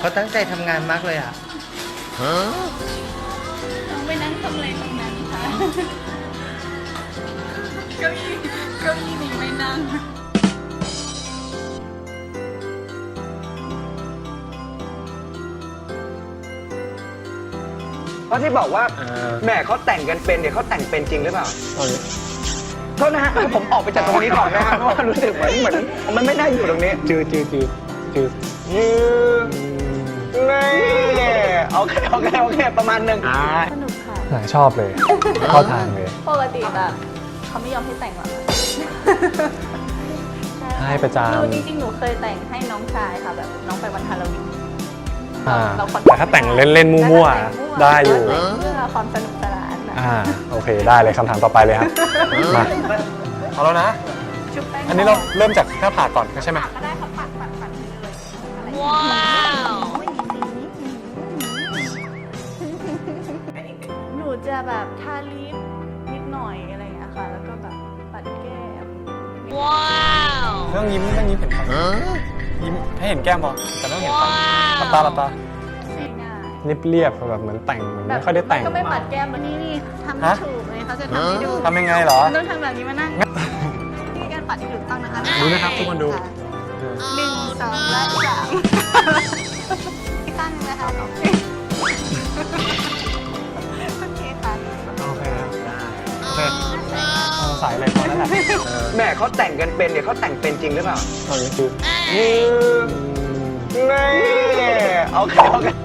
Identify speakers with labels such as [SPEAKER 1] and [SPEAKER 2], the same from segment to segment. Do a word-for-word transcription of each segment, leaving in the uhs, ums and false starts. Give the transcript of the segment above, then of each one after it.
[SPEAKER 1] เขาตั้งใจทำงานมากเลยอ่ะ
[SPEAKER 2] น้องไปนั่งทำอะไรตรงนั้นคะเก้าอี้เก้าอี้นี้ไม่นั่ง
[SPEAKER 3] เพราะที่บอกว่าแม่เขาแต่งกันเป็นเนี่ยเขาแต่งเป็นจริงหรือเปล่าโทษนะฮะผมออกไปจากตรงนี้ก่อนนะฮะเพราะว่ารู้สึกเหมือนเหมือนมันไม่น่าอยู่ตรงนี้จืดจืดจืดจืดยืดนี่โอเคโอเคโอเคประมาณหนึ่ง
[SPEAKER 2] สนุกค่ะ
[SPEAKER 4] ชอบเลยเข้าทางเลย
[SPEAKER 2] ปกติแบบเขาไม่ยอมให้แต่งหรอก
[SPEAKER 4] ให้ประจ
[SPEAKER 2] หนูจริงๆหนูเคยแต่งให้น้องชายค่ะแบบน้องไปวันฮาโลวีน
[SPEAKER 4] ำอ่าแต่ถ้าแต่งเล่นๆมั่วๆได้อยู่
[SPEAKER 2] เพื่อความสนุกสนานนะ
[SPEAKER 4] อ่าโอเคได้เลยคำถามต่อไปเลยครับมาเอาแล้วนะ
[SPEAKER 2] ชุบแป้ง
[SPEAKER 4] อันนี้เราเริ่มจากหน้าผากก่อนใช่ไหม
[SPEAKER 2] ก็ได้ค่ะปัดปัดปัดไปเลยว้าวหนูจะแบบทาลิปนิดหน่อยอะไรอย่างเงี้ยค่ะแล้วก็แบบปัดแก้มว้าว
[SPEAKER 4] ไม่ต้องยิ้มไม่ต้องยิ้มเห็นฟันยิ้มให้เห็นแก้มพอแต่ไม่ต้องเห็นฟันหลับตาหลับตา
[SPEAKER 2] ง่าย
[SPEAKER 4] เรียบเรียบๆแบบเหมือนแต่งเหมือน
[SPEAKER 2] ๆแบบ
[SPEAKER 4] ไม่ค่อยได้แต่ง
[SPEAKER 2] ก็ไม่ปัดแก้มแบบนี้นี่ทำไม่
[SPEAKER 4] ฮะ
[SPEAKER 2] ถูกเลยเขาจะทำให้ดู
[SPEAKER 4] ทำยังไงเหรอ
[SPEAKER 2] ต้องทำแบบนี้มานั่งนี่การปัดที่ถูกต้องนะคะ
[SPEAKER 4] ดูนะครับทุกคนดู
[SPEAKER 2] หนึ่งสองและสามอีกข้างหนึงนะคะโอเคโอเคค่ะ
[SPEAKER 4] โอเคครับได้โอเคเอาสายอะไรพอแล้วแหละ
[SPEAKER 3] แม่เขาแต่งกันเป็นเนี่ยเขาแต่งเป็นจริงหรือเปล่า
[SPEAKER 4] ตอนนี้คือ
[SPEAKER 3] ยืดนี่โอเคโอเค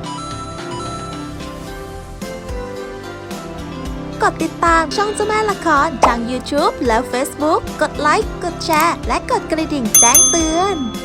[SPEAKER 5] กดติดตามช่องเจ้าแม่ละครทาง YouTube และ Facebook กดไลค์ กดแชร์ และกดกระดิ่งแจ้งเตือน